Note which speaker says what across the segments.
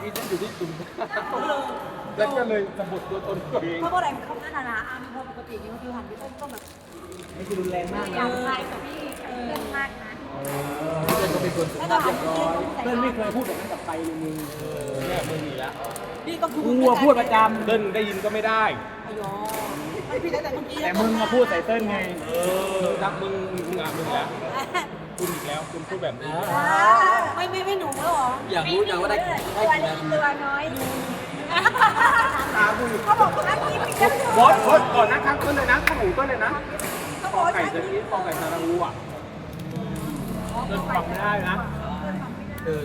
Speaker 1: กี้ฉันอยู่ที่จุ่มแล้วก็เลยสะบัดตัวตนตัวเอง
Speaker 2: เพราะว่าอะไรเขาพัฒนาอามีพอปกตินี่ก็คือหันไปต้นแบบ
Speaker 3: ไม่คือรุนแรงมาก
Speaker 2: อ
Speaker 3: นะ
Speaker 2: ย่างไรกับพี่เรื่องมากนะ
Speaker 1: เพื่อนก็เป็นคนสุ
Speaker 2: แล้ว
Speaker 1: ภา
Speaker 2: ก็
Speaker 1: พเรียบร้อย
Speaker 3: เติ้ลไม่เคยพูดแบบนั้นกับใครเลยมึง
Speaker 1: เนี่ยมึงอีกแล้ว
Speaker 2: พี่ก็คือ
Speaker 3: กูอะพูดประจ
Speaker 1: เติ้ลได้ยินก็ไม่ได้
Speaker 2: อายอไม่พี่ตั้งแต่เมื่อกี้
Speaker 3: ำแต่มึงมาพูดใส่เติ้ลไง
Speaker 1: รักมึงแล้วคุณอีกแล้วคุณพูดแบบนี้
Speaker 2: ไม่หนูแล้วหรอ
Speaker 4: อยากรู้จังว่าได้กี่นาที
Speaker 2: ตัวน้อย
Speaker 1: ตามึง
Speaker 2: เขาบอกว่าพี่พี่จะ
Speaker 1: บอสก่อนนะครับต้นเลยนะข้าวหมูต้นเลยนะ
Speaker 2: เขาบอก
Speaker 1: ไก่จะนี้ฟองไก่ซาลาอูอ่ะเติ้ลฟังไม่ได้นะเออ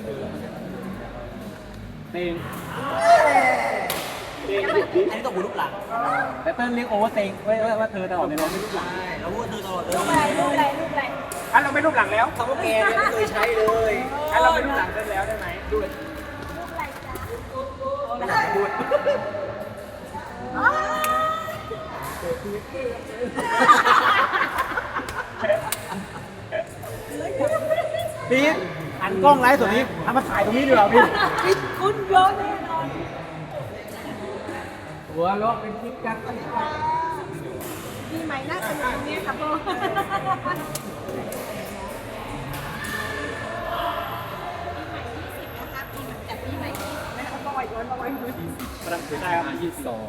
Speaker 1: เต็งเต็ง
Speaker 4: อันนี้ต้องหูลูกหลัง
Speaker 3: แต่เติ้ลเรียกโอเวอร์เตงว่าเธอตลอดเลยนะไม่รู้หลัง
Speaker 4: ใช่แล้วพูดเธอตลอดเลย
Speaker 2: ลูกอะไร
Speaker 1: อันเราไม่รูปหลังแล้ว
Speaker 4: คำว่าแกเนี่ยไม่เคยใช้เลย
Speaker 1: อันเราไม่รูปหลังได้แล้วได้ไหมดูเลย
Speaker 3: พีทหันกล้องไลฟ์ส่วนนี้ทำมาถ่ายตรงนี้ดีกว่าพี่
Speaker 2: คุณเยอะแน่นอน
Speaker 3: หัวเราะเป็นคลิปกัน
Speaker 2: ปีใหม่น่าสนุกเนี่ยครับพ่อ
Speaker 1: ประดับถือได้ครับ22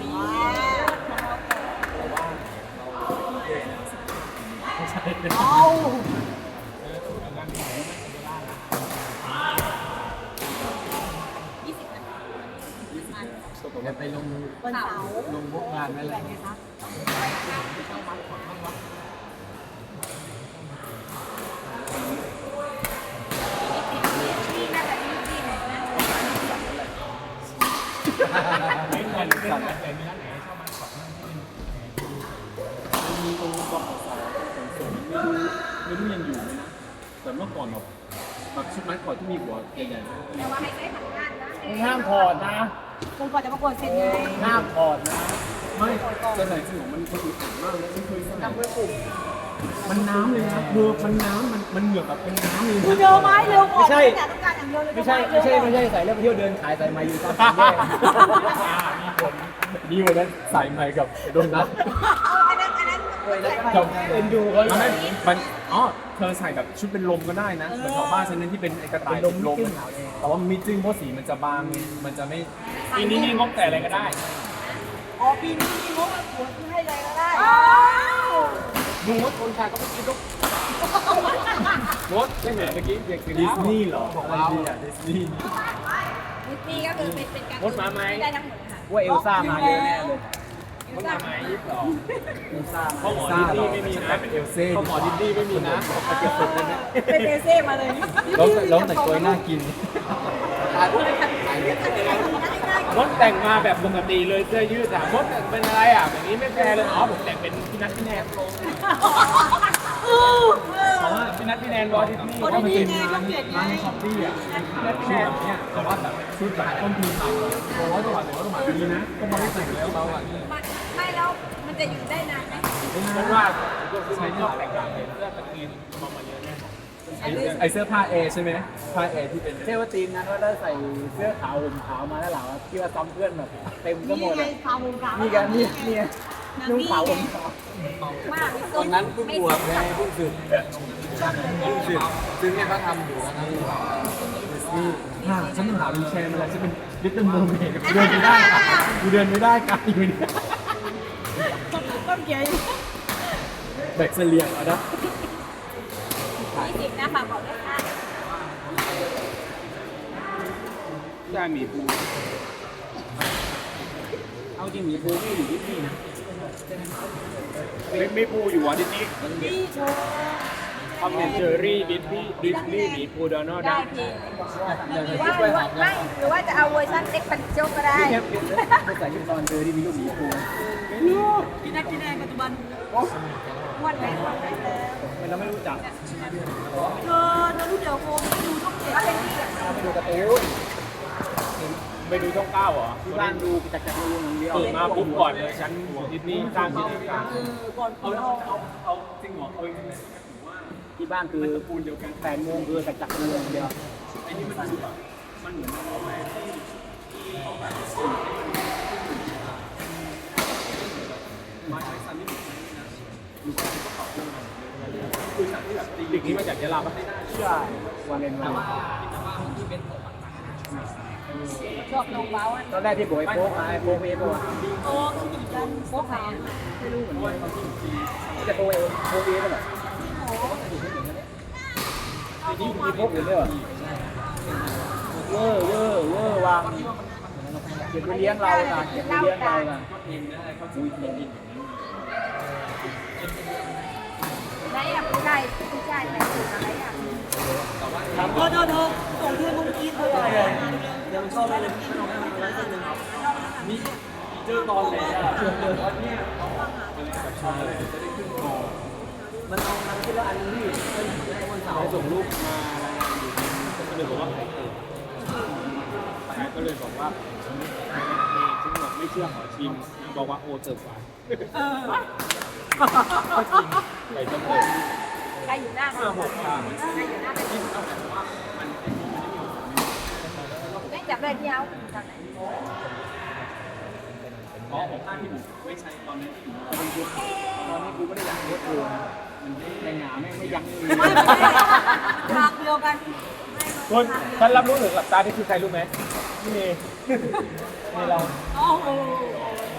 Speaker 3: จะไปลง
Speaker 2: วันเสาร์
Speaker 3: ลงพวกงานนั่นแหละ
Speaker 1: ไม่เหมือนสัตว์แต่มีร้านไหนชอบมาขอมันมีตรงบขสส่งไม่รู้ยังอยู่ไหมนะแต่เมื่อก่อนแบบชุดไม้ขอที่มีหัวใหญ่ๆ
Speaker 2: แต่ว่าให้ได้ทำงานนะ
Speaker 3: มึงห้ามถอดนะ
Speaker 2: คุณก่อนจะประกวดเสร็จไง
Speaker 3: ห้ามถอดนะ
Speaker 1: ไม่แต่ไหนสนุกมันคนอื่นมากเลยฉันเคยใส่
Speaker 2: ทำเพื่อกลุ่ม
Speaker 1: มันน้ำเลยนะคือมันน้ำมันเหงื่อแบบเป็นน้ำเลย
Speaker 2: คุณ
Speaker 1: นะ
Speaker 2: เร็วไหมเร็วก่อนต้องการอย่างเดียวเลย
Speaker 3: ไม่ใช่ใส่แล้วไปเที่ยวเดินขายใส่มาอยู่ตามสี่แยก
Speaker 1: ดีกว่านั้นใส่ใหม่กับโดนัท
Speaker 2: อันนั้น
Speaker 1: กับเอ็นดูเขามันเธอใส่แบบชุดเป็นลมก็ได้นะเหมือนของบ้านฉันนั้นที่เป็นกระต่ายลมแต่ว่ามันมีจึ้งเพราะสีมันจะบางมันจะไม่ปีนี้นี่งบแต่อะไรก็ได้
Speaker 2: อ๋อปีนี้มีงบหัวให้เลยก็ได้
Speaker 1: ดูว่าคนชายก็ไม่คิดลูกมดไม่เหมือนเมื่อกี้เด็กดิสนีย์เหรอของเราดิสนีย์
Speaker 2: ดิสนีย์ก็คือเป็นการ
Speaker 1: มดมาไหม
Speaker 2: ได้ทั้งหมดค่ะ
Speaker 3: ว่าเอลซ่ามาเยอะแน่เลย
Speaker 1: มดมาไหม22
Speaker 3: เอลซ่า
Speaker 1: พ่อหมอดิสนีย์ไม่มีนะเป็นเอลเซ่พ่อหมอดิสนีย์ไม่มีนะเอาเก็บศพเลยนะ
Speaker 2: เป็นเบเซ่มาเลย
Speaker 3: แล้วแต่งตัวน่ากิน
Speaker 1: มดแต่งมาแบบปกติเลยเสื้อยืดอะมดเป็นอะไรอ่ะแบบนี้ไม่แฟร์เลยอ๋อผมแต่งเป็นพี่นัทพี่แนนเพราะว่าพี่นัทพี่แนนวอลดิสนีย์ก็มันเป็นงานในช้อปปี้อ่ะพี่นัทพี่แนนเนี่ยแต่ว่าแบบชุดแบบต้นทุนต่ำตัวว่าตัวแต่ว่าตัวหมาดีนะก็มาได้ใส่แล้วเราอ่ะ
Speaker 2: ไม่แล้วมันจะอยู่ได้นานไหม
Speaker 1: ฉันว่าใช้ชอบแต่งงานเป็นเสื้อตะกีนมาเยอะแน่ไอเสื้อผ้าเอใช่ไหมผ้าเอที่เป็น
Speaker 3: เทวตีนนั้นว่าได้ใส่เสื้อขาวห่มขาวมาแล้วเหรอที่ว่าซ้อมเพื่อนแบบเต็มก็หมด
Speaker 2: ไง
Speaker 3: เลย
Speaker 2: ขาววงขาว
Speaker 3: นี่กันนี่นุ่งขาวห่มขาว
Speaker 2: มาก
Speaker 4: ตอนนั้นเพิ่งบวชไงเพิ่งสึกซึ่งเนี่ยเขาทำอยู่นะ
Speaker 1: ฉันต้องหาวีลแชร์มาแล้วฉันเป็นลิตเติ้ลโมเมนเดินไม่ได้กูเดินไม่ได้กันอยู่เนี่ย
Speaker 2: ต้นเกียร์
Speaker 1: แบกเสลียงเอานะ
Speaker 2: 20นะฝากบอกด้วยค่ะ
Speaker 1: ได้มีปู
Speaker 3: เอาจริงหมีภูไม่อยู่ที่นี่นะ
Speaker 1: มีปูอยู่อ่ะดิสนีย์
Speaker 2: พี่โชว์
Speaker 1: ทอมแอนเจอรี่ดิสนีย์มีปูโดนัลด์
Speaker 2: ได้
Speaker 1: ดัก
Speaker 2: พี่หรือว่าจะเอาเวอร์ชันเอ็กปันโจก็ได้
Speaker 3: เทียบเขาใส่ยูนอนเจอที่มีลูกหมีภู
Speaker 2: พี่นักที่แดงปัจจุบันม้วนแรงม้วนแรงแล้ว
Speaker 3: เราไม่รู้จัก
Speaker 2: เธอรู้เดี๋ยวโฟมดูต้องเก็บอะไรนี่
Speaker 3: เราไปดูการ์ตูน
Speaker 1: ไปดูช่องเก้าเหรอ
Speaker 3: ที่บ้านดูจากดูอย่างเดียว
Speaker 1: เปิดมาปุ๊บก่อนเลยฉันดิสนีย์สร้างจินตนาการ
Speaker 2: ก่อนคุณเอา
Speaker 1: เอาจริงเหรอเอาจริงเลย
Speaker 3: ที่บ้านคือ
Speaker 1: ปูนเดียวกัน
Speaker 3: 8 โมงคือจากดูอย่างเดียว
Speaker 1: ไอ้นี่มันดูแบบมันเหมือนเอาไปที่เดี๋ยวเราก็ไม่ได้เชื่อ
Speaker 3: วันเล่นเรา
Speaker 2: ชอบลงเบ้าอ่ะ
Speaker 3: ตอนแรกที่บอกไอ้โป๊กไอ้โป๊กเองบอกว่า
Speaker 2: โอ้ขี่กันโป๊กขาว
Speaker 3: ไม่รู้เหมือนกันจะโป๊กเองโป๊กเองก็แบบ
Speaker 2: เอาโป๊ก
Speaker 3: มีโป๊กอื่นด้วยเหรอเวอร์วางเก็บไปเลี้ยงเรานะเก็บไปเลี้ยงเรานะอุ้ย
Speaker 2: ไหนอ่ะผู้ชายไหนสุดอะไรอ่ะ
Speaker 4: โทษส่งเพื่อนมึงกินเลยเดี๋ยวมันเข้าไปเลย
Speaker 1: เจอตอนไหนอ่ะตอนเนี้ย
Speaker 4: มันเอามันที่ละอันนี้ให้วันเสาร์
Speaker 1: ส่งรูปมารายงานอยู่ก็เลยบอกว่าใครเกิดแต่ก็เลยบอกว่าฉันบอกไม่เชื่อขอชิมบอกว่าโอ้เจอฝันก็จริงไก่ต้มเลย
Speaker 2: ใครอยู่หน้า
Speaker 1: 5-6 ค่ะ
Speaker 2: ใครอยู่หน้าไปไม่จับเลยที่เอาจากไหน
Speaker 1: อ๋อของข้าที่ผมไม่ใช่ตอนนั้นที่อยู่
Speaker 3: ตอนนี้กูไม่ได้อยากโคตรกูนะในหงาไม่ยั้งมือ
Speaker 2: ทางเดียวกัน
Speaker 1: คนฉันรับรู้ถึงหลับตาที่คือใครรู้ไหมนี่นี่เรา
Speaker 2: โอ้โห